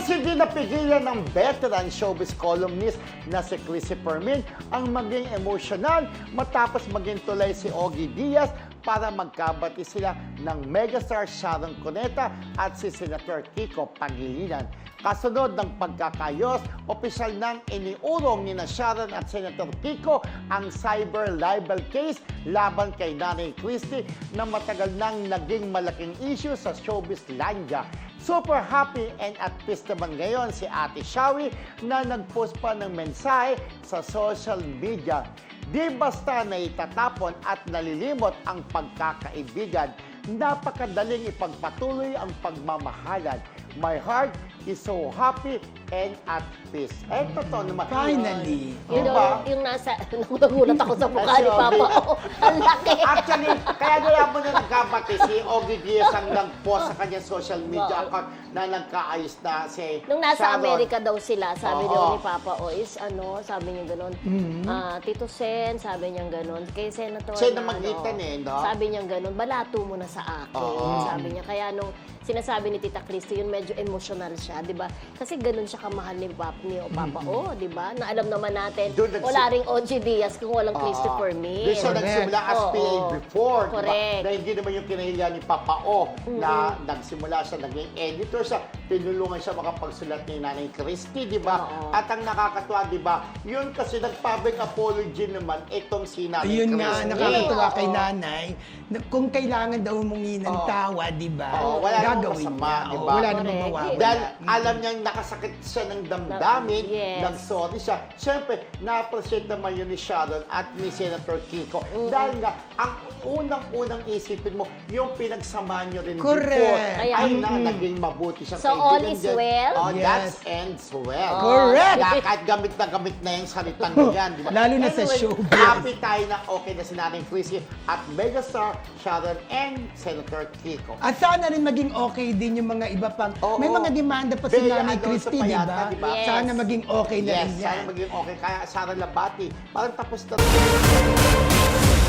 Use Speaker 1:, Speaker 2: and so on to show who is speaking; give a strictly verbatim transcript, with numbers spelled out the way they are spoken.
Speaker 1: hindi napigilan ng veteran showbiz columnist na si Chrissy Fermin ang maging emosyonal matapos maging tulay si Ogie Diaz para magkabati sila ng megastar Sharon Cuneta at si Senator Kiko Pangilinan. Kasunod ng pagkakayos, opisyal nang iniurong ni na Sharon at Senator Kiko ang cyber libel case laban kay Nanay Christie na matagal nang naging malaking issue sa showbizlandia. Super happy and at peace naman ngayon si Ate Shawi na nag-post pa ng mensahe sa social media. Di basta na itatapon at nalilimot ang pagkakaibigan, napakadaling ipagpatuloy ang pagmamahalan. My heart is so happy and at peace. Eh, totoo naman.
Speaker 2: Finally.
Speaker 3: Yun
Speaker 1: Diba?
Speaker 3: yung, yung nasa, nagulat ako sa mukha ni Papa. Oh, ang laki.
Speaker 1: Actually, kaya nila mo na nagkabati si Ogie Diaz ang nag-post sa kanyang social media account na nagkaayos na si
Speaker 3: Nung nasa
Speaker 1: Sharon.
Speaker 3: Amerika daw sila, sabi
Speaker 1: Oo.
Speaker 3: daw ni Papa, o is ano, sabi niya gano'n, ah, Tito Sen, sabi niya gano'n, kay Senator
Speaker 1: Siya na
Speaker 3: na,
Speaker 1: magitan
Speaker 3: ano,
Speaker 1: eh, no?
Speaker 3: sabi niya gano'n, balato mo na sa akin,
Speaker 1: Oo.
Speaker 3: sabi niya. Kaya nung sinasabi ni Tita Christy, yun medyo emotional siya, di ba? Kasi gano'n siya kamahal ni Papa, ni Papa O, di ba? Na alam naman natin,
Speaker 1: Doon nagsi-
Speaker 3: wala ring Ogie Diaz kung walang Christopher Min.
Speaker 1: Doon siya
Speaker 2: Correct.
Speaker 1: nagsimula as
Speaker 3: Oo.
Speaker 1: P A before. Diba?
Speaker 3: Correct.
Speaker 1: Na hindi naman yung kinahiya ni Papa O na nagsimula siya, naging editor siya, tinulungan siya makapagsulat ni Nanay Christie, di ba?
Speaker 3: Oo.
Speaker 1: At ang nakakatuwa, di ba? Yun kasi nag-public apology naman itong si Nanay
Speaker 2: Ayun nga,
Speaker 1: Christie.
Speaker 2: nakakatuwa
Speaker 3: Oo.
Speaker 2: kay nanay. na Kung kailangan daw humingi ng
Speaker 1: Oo.
Speaker 2: tawa, di ba?
Speaker 1: Oo, wala namang
Speaker 2: Gagawin
Speaker 1: masama,
Speaker 2: niya.
Speaker 1: di
Speaker 2: Oo,
Speaker 1: ba?
Speaker 2: wala namang
Speaker 3: Correct.
Speaker 2: mawawala.
Speaker 1: Dahil
Speaker 2: Mm.
Speaker 1: alam niyang nakasakit siya ng damdamin,
Speaker 3: Yes.
Speaker 1: nag-sorry siya. Siyempre, na-appreciate naman yun ni Sharon at ni Senator Kiko. Dahil nga, ang unang-unang isipin mo, yung pinagsamahan niyo rin
Speaker 2: Correct.
Speaker 1: before,
Speaker 3: Ayan.
Speaker 1: ay na, naging mabuti siyang
Speaker 3: So, all is
Speaker 1: din.
Speaker 3: well?
Speaker 1: Oh,
Speaker 2: Yes.
Speaker 1: that ends well.
Speaker 2: Correct.
Speaker 1: Kaya kahit gamit na gamit na yung salitang yan, di ba?
Speaker 2: Lalo na sa
Speaker 1: Anyway,
Speaker 2: showbiz.
Speaker 1: happy tayo na okay na si Nanay Chrissy at megastar Sharon and Senator Kiko.
Speaker 2: At sana rin maging okay din yung mga iba pang...
Speaker 1: Oo.
Speaker 2: May mga demanda pa si
Speaker 1: Bea
Speaker 2: Nanay
Speaker 1: Alonso
Speaker 2: Christie,
Speaker 1: pa
Speaker 2: di
Speaker 1: yata,
Speaker 2: ba?
Speaker 1: di ba?
Speaker 3: Yes.
Speaker 2: Sana maging okay na
Speaker 1: Yes,
Speaker 2: rin yan.
Speaker 1: sana maging okay. Kaya Sara Labati, parang tapos na rin.